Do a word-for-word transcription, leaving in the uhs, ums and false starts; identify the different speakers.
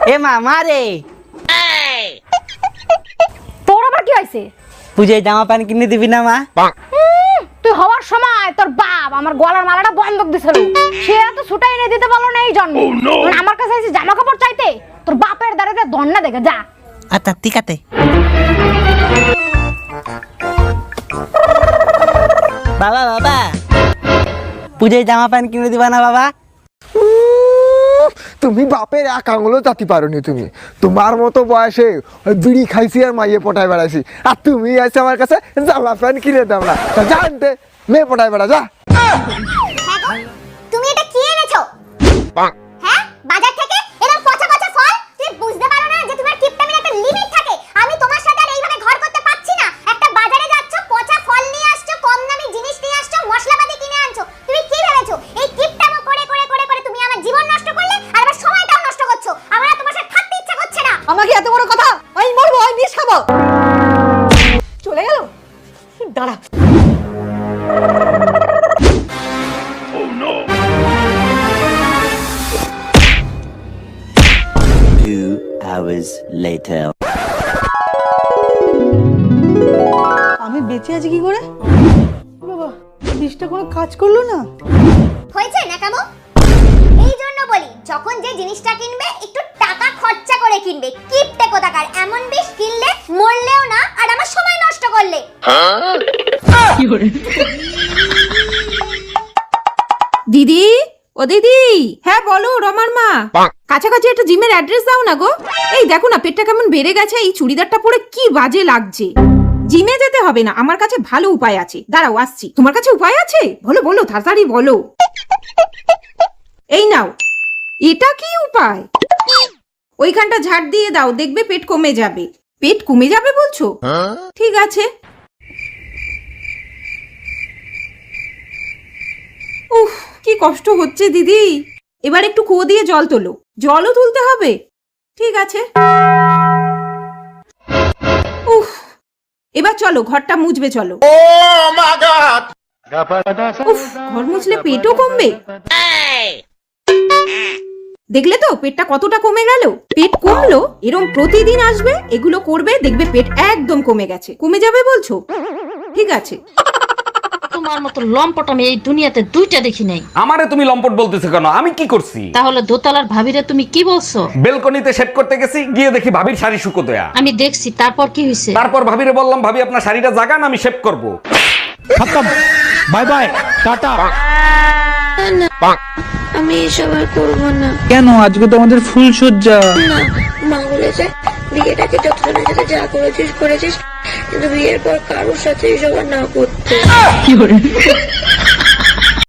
Speaker 1: এ মা মারে
Speaker 2: তোর আবার কি হয়েছে?
Speaker 1: পূজায় জামা প্যান্ট কিনে দিবি না মা?
Speaker 2: তুই হওয়ার সময় তোর বাপ আমার গলার মালাটা বন্ধক দিছিল, সে এত ছুটাই এনে দিতে পারলো না এই জন্ম। আমার কাছে এসে জামা কাপড় চাইতে তোর বাপের দাঁড়াতে দন্না দেখে যা।
Speaker 1: আচ্ছা ঠিক আছে। বাবা বাবা পূজায় জামা প্যান্ট কিনে দিবা না বাবা?
Speaker 3: তুমি বাপের এক আঙুলও চাতি পারোনি। তুমি তোমার মতো বয়সে ওই বিড়ি খাইছি আর মাইয়ে পটায় বেড়াইছি, আর তুমি আছে আমার কাছে জামা প্যান্ট কিনে দাও না। জানতে মেয়ে পটায় বেড়া যা।
Speaker 4: তুমি এটা কি এনেছো? হ্যাঁ, বাজার থেকে এরকম পচা পচা ফল? তুমি বুঝতে পারো না যে তোমার কিপটামির একটা লিমিট থাকে? আমি তোমার সাথে আর এইভাবে ঘর করতে পারছি না। একটা বাজারে যাচ্ছ, পচা ফল নিয়ে আসছো, কম দামি জিনিস নিয়ে আসছো, মশলাপাতি কিনে আনছো। তুমি কি ভেবেছো এই কিপটামো করে করে করে করে তুমি আমার জীবন নষ্ট করলে আর আমার সময়টাও নষ্ট করছো? আমার আর তোমার সাথে থাকতে ইচ্ছা করছে না।
Speaker 5: আমাকে এত বড় কথা, আমি মরবো, আমি বিষ খাবো। চলে গেল, দাঁড়া।
Speaker 6: Two hours later.
Speaker 5: আমি বেঁচে আছি কি করে? বাবা, বিষটা কোনো কাজ করলো না।
Speaker 4: হয়েছে নাকামো? এই জন্য বলি, যখন যে জিনিসটা কিনবে একটু টাকা খরচা করে কিনবে। কিপটে কোথাকার, এমন বিষ কিনলে মরলেও না আর আমার সময় নষ্ট করলে।
Speaker 7: দিদি, ও দিদি। হ্যাঁ বলো রমার মা। কাছাকাছি একটা জিমের অ্যাড্রেস দাও না গো। এই দেখো না পেটটা কেমন বেড়ে গেছে, এই চুড়িদারটা পরে কি বাজে লাগছে। জিমে যেতে হবে না, আমার কাছে ভালো উপায় আছে। দাঁড়াও আসছি। তোমার কাছে উপায় আছে? বলো বলো, তাড়াতাড়ি বলো। এই নাও। এটা কি উপায়? ওইখানটা ঝাড় দিয়ে দাও, দেখবে পেট কমে যাবে। পেট কমে যাবে বলছো? ঠিক আছে। উফ, কি কষ্ট হচ্ছে দিদি। এবার একটু কুয়ো দিয়ে জল তোলো। জলও তুলতে হবে? ঠিক আছে। উফ, এবার চলো ঘরটা মুছবে চলো। উফ, ঘর মুছলে পেটও কমবে? দেখলে তো পেটটা কতটা কমে গেল। পেট কমলো, এরম প্রতিদিন আসবে, এগুলো করবে, দেখবে পেট একদম কমে গেছে। কমে যাবে বলছো? ঠিক আছে।
Speaker 8: তোমার মতো লম্পট আমি এই দুনিয়াতে দুইটা দেখি নাই।
Speaker 9: আমারে তুমি লম্পট বলতেছো কেন? আমি কি করছি?
Speaker 8: তাহলে দোতলার ভাবিরে তুমি কি বলছো?
Speaker 9: বেলকনিতে সেট করতে গেছি, গিয়ে দেখি ভাবির শাড়ি শুকো দেয়া।
Speaker 8: আমি দেখছি, তারপর কি হয়েছে?
Speaker 9: তারপর ভাবিরে বললাম, ভাবি আপনার শাড়িটা জাগান, আমি শেভ করব। খতম, বাই বাই, টাটা।
Speaker 10: আমি এসব আর করবো না।
Speaker 1: কেন? আজকে তো আমাদের ফুল সজ্জা।
Speaker 10: না, মা বলেছে বিয়েটাকে যতজনের সাথে যা করেছিস করেছিস, কিন্তু বিয়ের পর কারোর সাথে এসব আর না করতে।